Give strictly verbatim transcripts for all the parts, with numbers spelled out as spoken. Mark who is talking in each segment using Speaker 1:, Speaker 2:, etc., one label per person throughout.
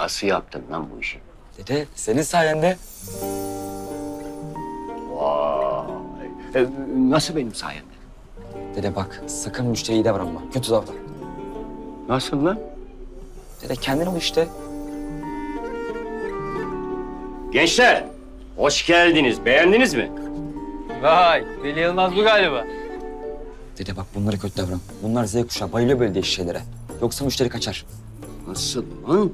Speaker 1: Nasıl yaptın lan bu işi?
Speaker 2: Dede senin sayende.
Speaker 1: Vay. E, nasıl benim sayemde?
Speaker 2: Dede bak sakın müşteriyi davranma. Kötü davran.
Speaker 1: Nasıl lan?
Speaker 2: Dede kendin ol işte.
Speaker 1: Gençler, hoş geldiniz. Beğendiniz mi?
Speaker 3: Vay, Veli Yılmaz bu galiba.
Speaker 2: Dede bak bunlara kötü davran. Bunlar Z kuşağı bayılıyor böyle değişik şeylere. Yoksa müşteri kaçar.
Speaker 1: Nasıl lan?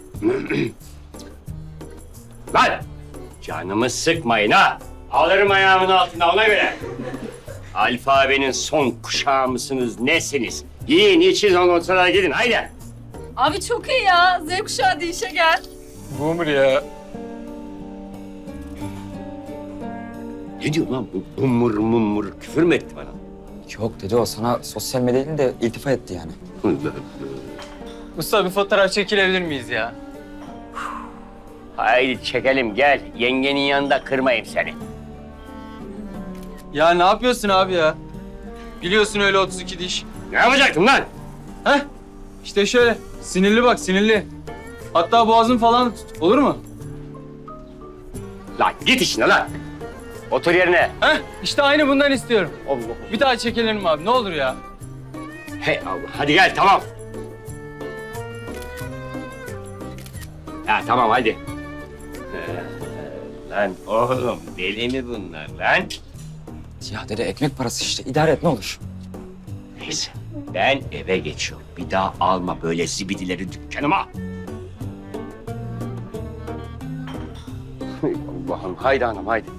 Speaker 1: Lan! Canımı sıkmayın ha! Alırım ayağımın altına ona göre. Alfabenin son kuşağı mısınız, nesiniz? Yiyin, için ondan sonra gidin, haydi.
Speaker 4: Abi çok iyi ya. Z kuşağı işe gel.
Speaker 3: Boomer ya.
Speaker 1: Ne diyor lan bu bumur mumur? Küfür mü etti bana?
Speaker 2: Yok dede o sana sosyal medya değil de iltifat etti yani.
Speaker 3: Usta bir fotoğraf çekilebilir miyiz ya?
Speaker 1: Haydi çekelim, gel. Yengenin yanında kırmayayım seni.
Speaker 3: Ya ne yapıyorsun abi ya? Biliyorsun öyle otuz iki diş.
Speaker 1: Ne yapacaktım lan?
Speaker 3: Heh, işte şöyle. Sinirli bak, sinirli. Hatta boğazın falan tut. Olur mu?
Speaker 1: Lan git işine lan. Otur yerine.
Speaker 3: Heh, işte aynı bundan istiyorum.
Speaker 1: Allah Allah.
Speaker 3: Bir daha çekilelim abi, ne olur ya.
Speaker 1: Hey Allah, hadi gel, tamam. Ha tamam, hadi. Ee, lan oğlum, deli mi bunlar lan?
Speaker 2: Ya dede ekmek parası işte. İdare et ne olur.
Speaker 1: Neyse, ben eve geçiyorum. Bir daha alma böyle zibidileri dükkanıma. Hay Allah'ım, haydi hanım, haydi.